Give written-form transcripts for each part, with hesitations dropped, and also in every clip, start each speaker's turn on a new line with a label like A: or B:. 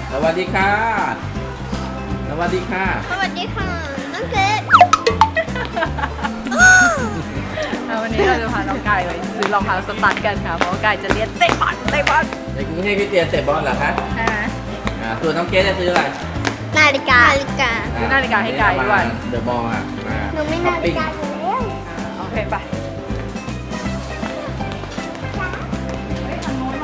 A: สวัสดีค่ะสวัสดีค่ะ
B: สวัสดีค่ะน้องเกด
C: วันนี้เราจะพาน้องกายไปซื้อรองเท้าสตั๊ดกันค่ะเพราะว่ากายจะเรียนเตะบอล
A: เด็กกรุงเทพคริสเตียนเตะบอลเหรอคะส่วนน้องเกดจะซื้ออะไร
B: นาฬิกา
C: ซื้อนาฬิกาให้กายด้วย
A: เดอะบอลอ่ะมา
B: หนูไม่นาฬิกาอยู่แล้ว
C: โอเคไปทางโน้น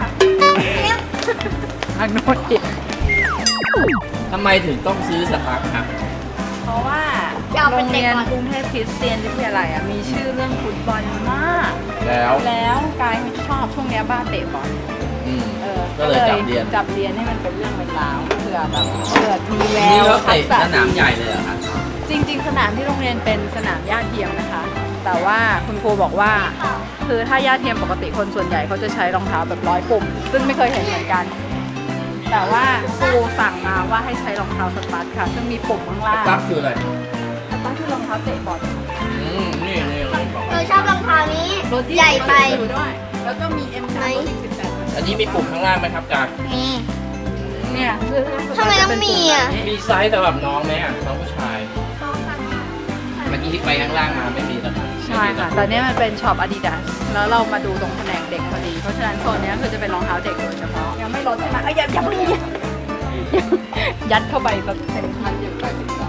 C: อีก
A: ทำไมถึงต้องซื้อสตาร์ครับ
C: เพราะว่าโรงเรียนกรุงเทพคริสเตียนวิทยาลัยมีชื่อเรื่องฟุตบอลมาก แล้วกายไม่ชอบช่วงนี้บ้าเตะบอล
A: ก็เลยจับเรียน
C: ให้มันเป็นเรื่องเป็นราวเผื่อแบบมีแว
A: นี่
C: ว
A: เราเตะสนามใหญ่เลยเหรอคะ
C: จริงๆสนามที่โรงเรียนเป็นสนามหญ้าเทียมนะคะ แต่ว่าคุณครูบอกว่าคือถ้าหญ้าเทียมปกติคนส่วนใหญ่เขาจะใช้รองเท้าแบบ100 ปุ่มซึ่งไม่เคยเห็นเหมือนกันแต่ว่าครูสั่งมาว่าให้ใช้รองเท้าสตั๊ดค่ะซึ่งมีปุ่มข้างล่าง
A: สตาร์คืออะไร
C: สตั๊ดคือรองเท้าเตะบอล
A: นี่บอก
B: หนูชอบรองเท้านี้ใหญ่ไป
C: อยู่ด้วยแล้วก็มี M ไซส์18
A: อันนี้มีปุ่มข้างล่างไหมครับการ
B: มี
C: เนี่ยคือ
B: ทำไมต้องมีอ่ะ
A: มีไซส์สำหรับน้องไหมอ่ะน้องผู้ชายเมื่อกี้ที่ไปข้างล่างมาไม่มีนะครับ
C: ใช่ค่ะแต่เนี้ยมันเป็นช็อป Adidas แล้วเรามาดูตรงแผนกเด็กพอดีเพราะฉะนั้นโซนเนี้ยคือจะเป็นรองเท้าเด็กโดยเฉพาะยังไม่ลดใช่ไหมอย่าเพิ่งยัดเข้าไปแบบมันอยู่ไปถึงสอง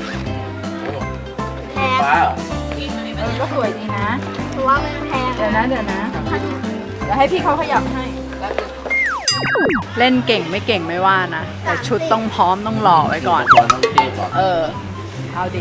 B: แพง
A: ว้าว
C: ก็สวยดีนะ
B: ถือว่ามันแพง
C: เดี๋ยวให้พี่เขาขยับให้ เล่นเก่งไม่เก่งไม่ว่านะ แต่ชุดต้องพร้อมต้องหล่อไว้ก่อน
A: ตัวน้องเทก่อน
C: เอาดิ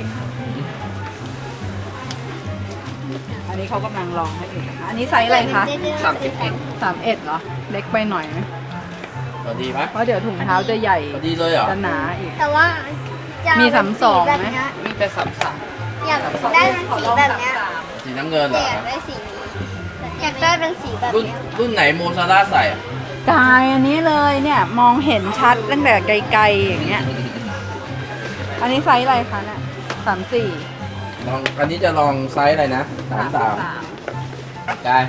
C: อันนี้เขากำลังลองให้อยู่นะคะอันนี้ไซส์อะไรคะ 31เหรอ เล็กไปหน่อยไหม
A: พอดีไหม
C: เพราะเดี๋ยวถุงเท้าจะใหญ่
A: พอดีเลยเหรอ
C: จะหนาอีก
B: แต่ว่าจะ
C: มี
B: เป็น
C: 32
B: แบบ
C: ไหม
B: เนี้ย
A: มีแต่สับ
B: อยากได้เป็นสีแบบเนี้ย
A: สีน้ำเงินเหร
B: แต่
A: อ
B: อยากได้สีนี้อยากได้เป็นสีแบบ
A: รุ่น
B: เนี้ย
A: รุ่นไหนโมซาร่าใส่อ่ะ
C: กายอันนี้เลยเนี่ยมองเห็นชัดตั้งแต่ไกลๆอย่างเงี้ย อันนี้ไซส์อะไรคะเนี่ย34
A: ลองอันนี้จะลองไซส์อะไรนะ33กาย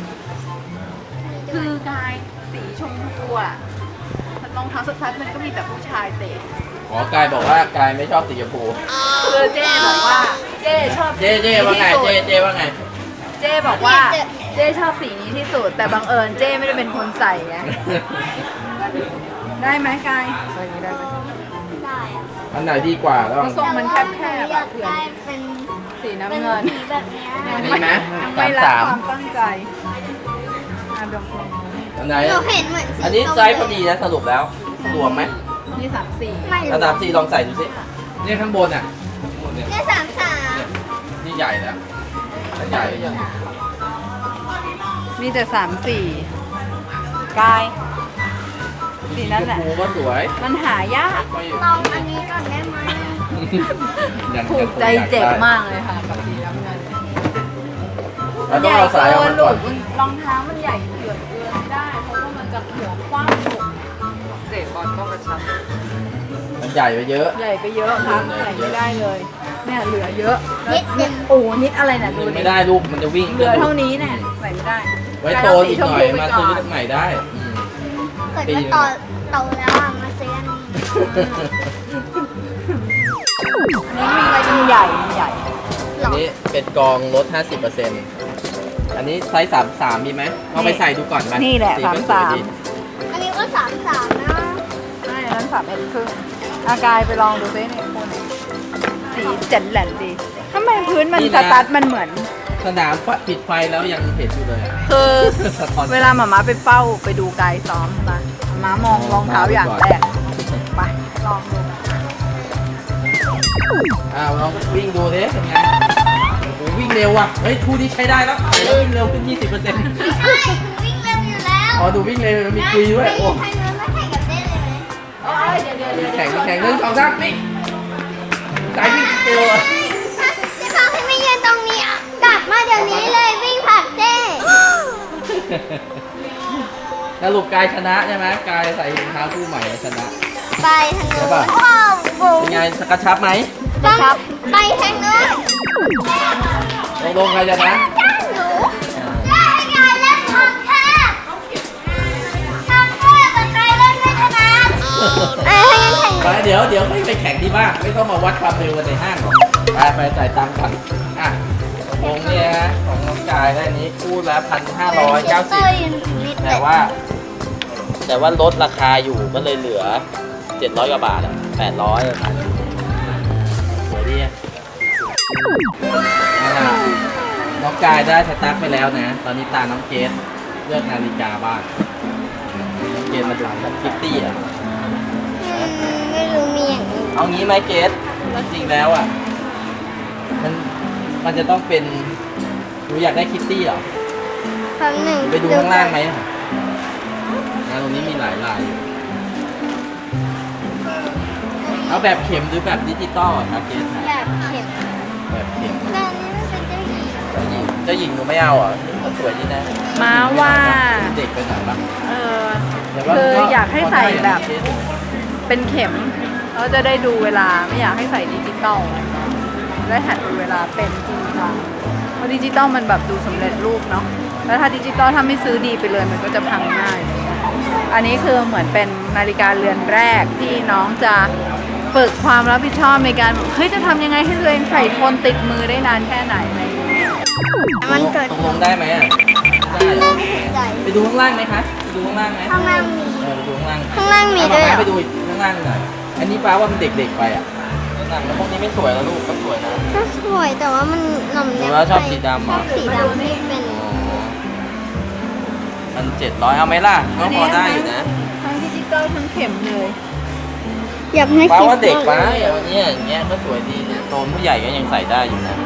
C: คือกายสีชมพูอ่ะรองเท้าสตั๊ดมันก็มีแต่ผู้ชายเตะ
A: อ๋อกายบอกว่ากายไม่ชอบสีชมพู
C: คือเจ้บอกว่าเจ้ชอบ
A: เจ๊ว่าไงเจ๊ว่าไง
C: เจ้บอกว่าเจ้ชอบสีนี้ที่สุดแต่บังเอิญเจ้ไม่ได้เป็นคนใส่ไงได้ไหมกายใส่นี้ได้ไหม
B: ได้อะ
A: อันไหนดีกว่าแล้ว
C: ทรงมันแคบ
B: อ
C: ๆ
B: ยา
C: อะ
B: ก
C: เพื่อน
B: ได้เป็น
C: สีน้ำ
B: เป็น
C: เงิน
B: สีแบบเนี้ย
A: อันนี้ไหม
C: ไม่รักค
A: 33
C: วามตั้งใจดม
A: อันไหน
B: หนูเห็นเหมือนสี
A: อันนี้
B: ส้ม
A: ไซส์พอดีนะสรุปแล้วรวมไหม
C: นี่34
B: ไม่
A: ระดับ4ลองใส่ดูสิเนี่ยข้างบนอ่ะข้างบนเนี่ย
B: เนี่ย33
A: นี่ใหญ่แล้วใหญ่
C: มีแต่34กายสีนั้นแหละ
A: ชมพูก็สวย
C: มันหายาก
B: ลองอันนี้ก่อนได้ไหม
C: ถูกใจเจ็บมากเลยค่ะกับสีน้ำเงิน
A: แล้วต้องเอาสายออกมา
C: หลุ
A: ก่อน
C: ดรองเท้ามันใหญ่เกินไม่ได้เพราะว่ามันจะหัวกว้างสุดเตะบอลก็กระชับ
A: มันใหญ่ไปเยอะ
C: ใหญ่ไปเยอะครับใส่ไม่ได้เลยเนี่ยเหลือเยอะ
B: นิดนึง
C: โอ้นิดอะไรน่ะดูดิ
A: ไม่ได้ลูกมันจะวิ่ง
C: เหลือเท่านี้เนี่ยใส่ไม่ได้
A: ไว้โตอีกหน่อยมาซื้อใหม่ได้
B: เกิดว่าโตแล้วอ่ะมาซื้ออันนี้
C: อันนี้มีใหญ่มีใหญ่
A: อันนี้เป็นกองลด 50%อันนี้ไซส์33มีไหมเอาไปใส่ดูก่อนไหม
C: นี่แหละ
A: สีก็สวยดี
B: อันนี้ก็33นะ
C: ใช่นั้น31ครึ่งอากายไปลองดูซิเนี่ยคุณสีเจ๋นแหลนดีทำไมพื้นมันสตั๊ดมันเหมือน
A: สนามปิดไฟแล้วยังเห็นอยู่เลยอะ
C: คือ
A: สะท้อน
C: เวลาหมาม้าไปเฝ้าไปดูกายซ้อมนะหมามองรองเท้าอย่างแรกไปลองดู
A: ลองวิ่งดูดิเป็นไงโอ้โหวิ่งเร็วว่ะเฮ้ยทูนี้ใช้ได้แล้วใส่แล้ววิ่งเร็วขึ้น 20%
B: ไม่ใช่คุณวิ่งเร็วอยู่แล้ว
A: อ๋อดูวิ่งเร็วมีคุยด้วยโอ้
B: ใครเนื้อมาแข่งกับเต้เลยไหม
A: แข่งเรื่อง2 3นี่สายวิ่งเร็วอะ
B: พี่ฟังให้ไม่ยืนตรงนี้อ่ะกลับมาเดี๋ยวนี้เลยวิ่งผลักเต้
A: สรุปกายชนะใช่ไหมกายใส่รองเท้าคู่ใหม่แล้วชนะ
B: ไปทางโน้น
A: ใช่ป่ะ
B: ว้าวบุ๋ม
A: เป็นไงกระชับไหม
B: ต้องไปทางโน้น
A: ลงใครชนะ
B: หนูได้ไงเล่นทำแค่ทำแค่แต่ใครเล่นไม่ชนะ
A: ยวไม่ไปแข่งที่บ้านไม่ต้องมาวัดความเร็วกันในห้างหรอกไปจ่ายตังค์กันอ่ะวงเนี่ยนะของน้องกายได้นี้คู่ละ1,590แต่ว่าลดราคาอยู่ก็เลยเหลือ700กว่าบาทอ่ะ800ประมาณนี้สวยดีอ่ะเอาล่ะน้องกายได้สตาร์ทไปแล้วนะตอนนี้ตาน้องเกสเลือกนาฬิกาบ้างน้องเกสมาดูกับคิตตี้อ่ะ
B: ไม่รู้มีอย่างนี้
A: เอางี้ไหมเกสจริงแล้วอ่ะมันจะต้องเป็นหนูอยากได้คิตตี้เหรอ
B: ครั้งหนึ่ง
A: ไปดูข้างล่างไหมตรงนี้มีหลายลายอยู่เอาแบบเข็มหรือแบบดิจิตอลอะครับเกส
B: แบบเข็ม
A: แบบเข็ม
B: แต่อันนี้มันเป็นเจ้าหญิง
A: เจ้าหญิงหนูไม่เอาเหรอสวยดีนะ
C: ม้าว่า
A: เด็กไปหน่อยปะ
C: เออ
A: แต่ว่า
C: คือ
A: ก็
C: อยากให้ใส่แบบ
A: พอได้อะ
C: เป็นเข็มเราจะได้ดูเวลาไม่อยากให้ใส่ดิจิตอลได้หัดดูเวลาเป็นจริงจังเพราะดิจิตอลมันแบบดูสำเร็จรูปเนาะแล้วถ้าดิจิตอลถ้าไม่ซื้อดีไปเลยมันก็จะพังง่าย อันนี้คือเหมือนเป็นนาฬิกาเรือนแรกที่น้องจะฝึกความรับผิดชอบในการแบบเฮ้ยจะทำยังไงให้ตัวเองใส่ทนติดมือได้นานแค่ไหนอะไรอย่างเงี้ย
B: มันเกิด
A: ตกลงได้ไหมอ่ะได้เหรอ
B: ใจ
A: ไปดูข้างล่างไหมคะไปดูข้างล่างไหม
B: ข้างล่างมี
A: ไปดูข้างล่าง
B: ข้างล่างมีด้วยเหรอ
A: ไปดูอีกข้างล่างหน่อยอันนี้ป้าว่ามันเด็กๆไปอ่ะข้างล่างแล้วพวกนี้ไม่สวยแล้วลูกก็สวยนะ
B: ก็สวยแต่ว่ามันหน่อม
A: ห
B: แน
A: นู
B: ม
A: ว่าชอบสีดำเหรอ
B: ชอบสีดำที่เป็น
A: อ๋อมัน700เอาไหมล่ะก็พอได้อยู่นะ
C: ทั้งดิจิตอลทั้งเข็มเลย
B: อยากให้
A: ป้า
B: คิด
A: ว่าเด็กไปเอาเนี่ยอย่างเงี้ยก็สวยดีเนี่ยโตนผู้ใหญ่ก็ยังใส่ได้อยู่นะ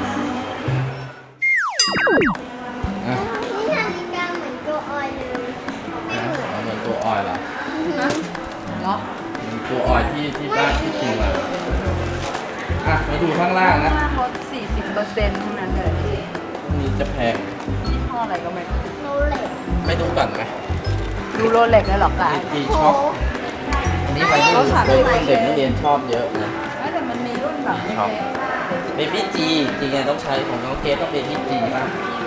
A: อ่ะ
B: นี่นาฬิกาเหมือนตัวออยเลยไม่เหมือน
A: เอาเหมือนตัวออยเหรอ
C: เนาะ
A: เหมือนตัวออยที่บ้านที่จริงมาอ่ะมาดูข้างล่างนะ
C: ลด 40%ทั้งนั้นเลย
A: นี่จะแพง
C: ยี่ห้ออะไรก็ไม่รู้
B: โรเล็ก
A: ไม่ดูก่อนไหม
C: ดูโรเล็กเลยเหรอกาย
A: ดีช็อปอันนี้วัยรุ่นเด็กนักเรียนชอบเยอะนะ
C: แต่มันมีรุ่นแบบ
A: ช็อปเบบี้จีจริงๆต้องใช้ของน้องเกสต้องเบบี้จีป่ะ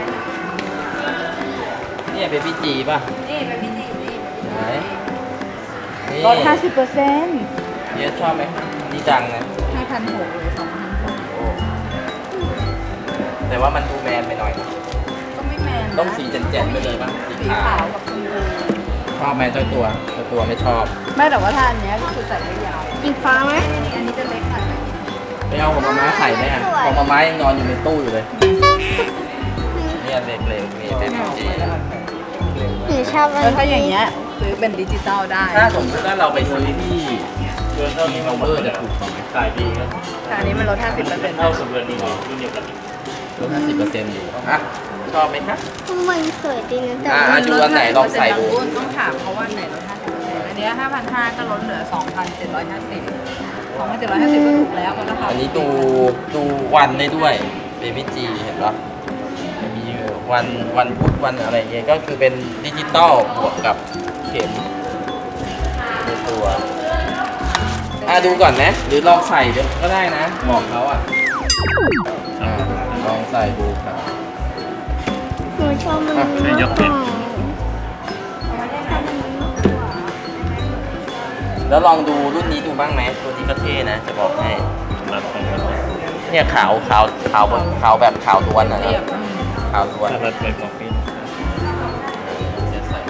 A: เนี่ยเบบี้จีป่ะ
C: นี่เป็นพี่จีนี่
A: ไหนนี่
C: ลด 50%
A: เกสชอบไหมนี่ดังนะ
C: 5,600หรือ 2,600
A: โอ้แต่ว่ามันดูแมนไปหน่อยนะ
C: ก็ไม่แมนนะ
A: ต้องสีแจ่มๆไปเลยป่ะสี
C: สี
A: ขา
C: ขาว วกับชมพู
A: ชอบไหมเจ้าตัวไม่ชอบ
C: ไม่แต่ว่าถ้าอันเนี้ยก็คือใส่ได้ยาว
B: สีฟ้าไหม
C: นี่อันนี้จะเล็กหน่อย
A: ไปเอาของมาม้าใส่ไหมอ่ะของมาม้ายังนอนอยู่ในตู้อยู่เลยเนี่ยเล็กๆมีเบบี้จี
B: หนูชอบอัน
C: แล้วถ้าอย่างเงี้ยซื้อเป็นดิจิตอลได้
A: ถ้าสมมติว่าเราไปซื้อที่ที่เคาน์เตอร์จะถูกกว่าไหม
D: ขายดีครับ
C: แต่อันนี้มันลด 50%
D: เท่ากับเรือนนี้รุ่นเดียวกัน
A: ลด50%อยู่อ่ะชอบไหมคะ
B: มันสวยดีนะแต่
A: อ่ะ
B: ว่า
A: ดูอันไหนลองใส่ดู
C: ต้องถามเขาว่าอันไหนลด 50%อันเนี้ย5,500ก็ลดเหลือ 2,750 2,750ก็ถูกแล้วก็ราคา
A: อันนี้ดูวันได้ด้วยเบบี้จีเห็นปะมีวันพุธวันอะไรเงี้ยก็คือเป็นดิจิตอลบวกกับเข็มในตัวดูก่อนไหมหรือลองใส่เดี๋ยวก็ได้นะบอกเขาลองใส่ดูครับ
B: หนูชอบมัน
D: ใช้ยกเว้น
A: แล้วลองดูรุ่นนี้ดูบ้างไหมตัวนี้ก็เท่นะ จะบอกให้
D: รับของมัน
A: เนี่ยขาวแบบขาวล้วนนะ
C: เรียบ
A: ขาวล้วน
D: ถ้ารัดไปบอกนี่
A: จะใส่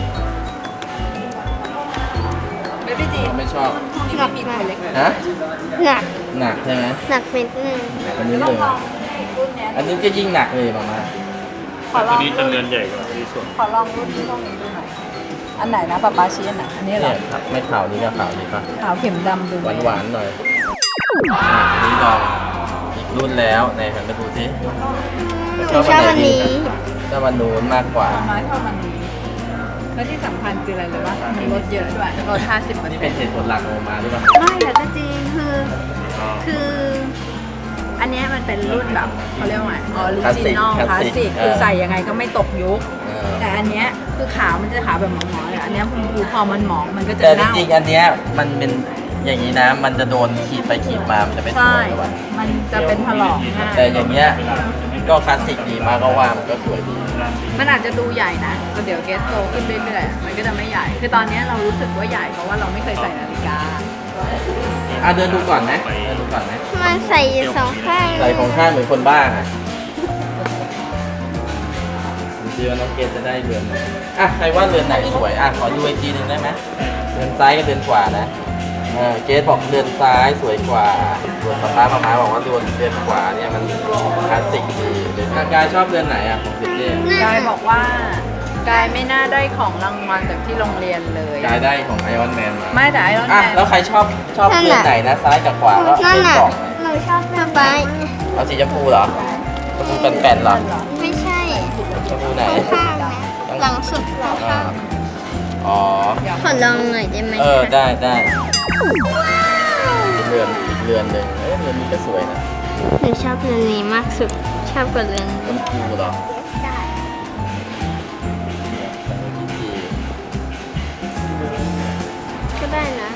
C: เบบี้จี
A: ไม่ชอบ
C: นี่ไม่มีตัวเล็ก
A: ฮะ
B: หนัก
A: หนักใช่ไหม
B: หนักเม็ดนึง
A: อันนี้
C: ต้
A: เล
C: อง
A: ย
C: ลองรุ่นเนี้ย
A: อันนี้ก็ยิ่งหนักเลยมามา
C: ขอล
D: ตั
C: อ
D: ว
C: ง
D: นี้จะเรือนใหญ่กว่าที่ส่วน
C: ขอลองรุ่นที่ตรงนี้ดูหน่อยอันไหนนะป๊าป๊าชี้อันไหนอันนี้เหร
A: เนี่
C: อย
A: ครับไม่ขาวนี้ก็ขาวนี้ป่ะ
C: ขาวเข็มดำดู
A: หวานหวานๆหน่อยอันนี้ลองอีกรุ่นแล้วไหนหันมาดูสิ
B: หนูชอบอันนี้
A: ชอบอันนู้นมากกว่า
C: ไม้เท่ามันนี้แล้วที่สำคัญคืออะไรเลยว่ามีลดเยอะด้วยลด 50%
A: นี่เป็นเหตุผลหลักของมาหรือเปล่า
C: ไม่แต่ก็จริงคือ อันเนี้ยมันเป็นรุ่นแบบเขาเรียกว่าไงออริจินอลคลาสสิกคือใส่ยังไงก็ไม่ตกยุค
A: เออ
C: แต่อันเนี้ยคือขาวมันจะขาวแบบหมองๆเลยอันเนี้ยคุณครูพอมันหมองมันก็จะ
A: แต่จ
C: เน่า
A: ริงๆอันเนี้ยมันเป็นอย่างนี้นะ มันจะโดนขีดไปขีดมา มันจะไม่ส
C: ใช่
A: วยหรอก
C: มันจะเป็นถลอกง่าย
A: แต่อย่างเงี้ยก็คลาสสิกดีมากก็ว่ามันก็สวยดี
C: มันอาจจะดูใหญ่นะแต่เดี๋ยวเกสโตขึ้นเรื่อยๆมันก็จะไม่ใหญ่ คือตอนนี้เรารู้สึกว่าใหญ่เพราะว่าเราไม่เคยใส่นาฬิกา
A: เดินดูก่อนไหมเดินดูก่อนไหม
B: มันใส่อยู่สองข้าง
A: ใส่ของข้างเหมือนคนบ้าอ่ะดูสิว่าน้องเกดจะได้เรือนไหนใครว่าเรือนไหนสวยขอดูอีกทีหนึ่งได้ไหมเรือนซ้ายกับเรือนขวานะเกดบอกเรือนซ้ายสวยกว่าส่วนป๊าบอกว่าเรือนขวาเนี่ยมันคลาสสิกดีกายชอบเรือนไหนของเจเจ
C: กายบอกว่ากายไม่น่าได้ของรางวัลจากที่โรงเรียนเลย
A: กายได้ของไอออนแมนมา
C: ไม่แต่ไอรอนแมน
A: แล้วใครชอบเรือนไหนนะซ้ายกับขวาก็
B: นั่น
A: เรือน
B: น่ะ
A: กล่องไหน
B: หนูชอบสบาย
A: เอาสีชมพูเหรอชมพูแป่นๆเหรอ
B: ไม่ใช่
A: ชมพูไหน
B: ข้างนะหลังสุดหลังข้าง
A: อ๋อ
B: ขอลองหน่อยได้ไหม
A: ได้อีกเรือนหนึ่งเรือนนี้ก็สวยนะ
B: หนูชอบเรือนนี้มากสุด ชอบกว่าเรือน
A: ชมพูเหรอ
B: ได้ ก็ได้นะ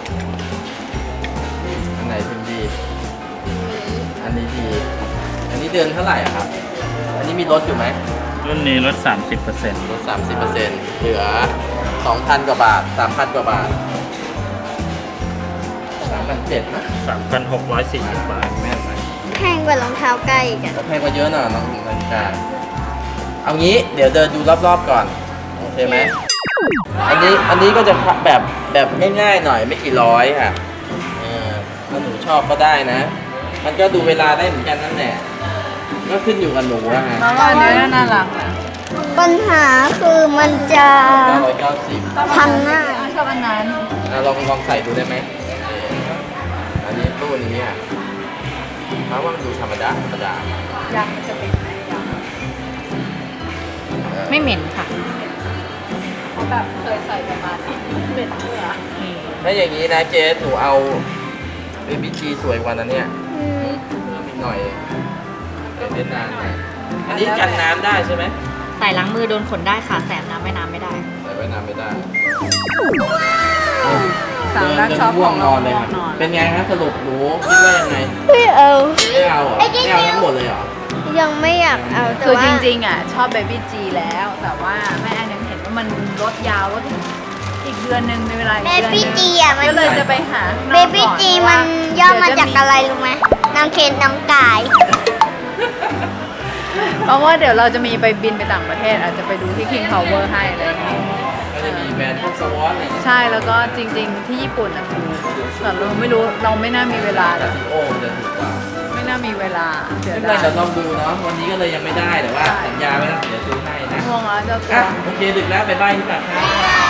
A: อันไหนถึงดี อันนี้ดี อันนี้เดือนเท่าไหร่อะครับ อันนี้มีลดอยู่ไหม
D: รุ่นนี้ลด 30%
A: ลด 30%เหลือ 2,000 กว่าบาท 3,000 กว่าบาท 3,700นะ
D: 3,640 บาท
A: แม่นไหม
B: แพงกว่ารองเท้าไก่อีกอะ
A: ก็แพงกว่าเยอะหน่อยน้องนาฬิกาเอางี้เดี๋ยวเดินดูรอบๆก่อน โอเคไหม อันนี้ก็จะแบบง่ายๆหน่อยไม่กี่ร้อยค่ะถ้าหนูชอบก็ได้นะ มันก็ดูเวลาได้เหมือนกันนั่นแหละ ก็ขึ้นอยู่กับหนูอะฮะ
C: แล้วก็อันนี้น่ารักนะ
B: ปัญหาคือมันจะ
A: 990
B: พันหน้า
C: ชอบอันนั้น
A: ลองใส่ดูได้ไหมอันนี้ตู้นี้อ่ะเพราะว่ามันดูธรรมดา
C: ยางมันจะติดไหมยางไม่เหม็นค่ะเพราะแบบเคยใส่ประมาณนี้เหม็นเมื่อ
A: ถ้าอย่างนี้นะเจสหนูเอาเบบี้จีสวยกว่านั้นเนี่ย
B: อืม
A: เพิ่มอีกหน่อยเป็นเวียดนามหน่อยอันนี้กันน้ำได้ใช่ไหม
E: ใส่ล้างมือโดนขนได้ค่ะแสบน้ำไม่น้ำไม่ได้
A: ใส่ไว้น้ำไม่ได้
C: สั่งแล้วชอบ
A: ง่
C: ข
A: ว
C: อง ง
A: นอนเลยครับ
C: นอน
A: เป็นไงฮะสรุปหนูคิดว่ายังไง
B: ไม่เอา
A: ไม่เอาเหรอไม่เอาทั้งหมดเลยเหรอ
B: ยังไม่อยากเอาแต่
C: คือ
B: ว่า
C: จริงๆอ่ะชอบเบบี้จีแล้ว แต่ว่าแม่แอนยังเห็นว่ามันลดยาวลดถึงอีกเดือนหนึงในเวลาอีก
B: เบ
C: เดือนห
B: บี้
C: นึง
B: จีอ่ะมัน
C: ก็เลยจะไปหา
B: เบบี้จีมันย่อมาจากอะไรรู้ไหมน้ำเคนน้ำกาย
C: เพราะว่าเดี๋ยวเราจะมีไปบินไปต่างประเทศ อาจจะไปดูที่ King Power ให้อะไรอย่างเงี้ย
A: ก็จะมีแบรนด์พวกสวอตอะไรอย่างเงี้ย
C: ใช่แล้วก็จริงๆที่ญี่ปุ่นนะถูกแต่เราไม่รู้เราไม่น่ามีเวลา
A: แต่ซีโอมันจะถูกกว่า
C: ไม่น่ามีเวลาเสีย
A: ไม่เป็นไร
C: ดาย
A: เดี๋ยวลองดูเนาะวันนี้ก็เลยยังไม่ได้แต่ว่าสัญญาไว้แล้วเดี๋ยวซื้อให้นะ
C: ง่วงแล้วเจ้าตัว
A: โอเคดึกแล้วไปบ้านที่ปากทาง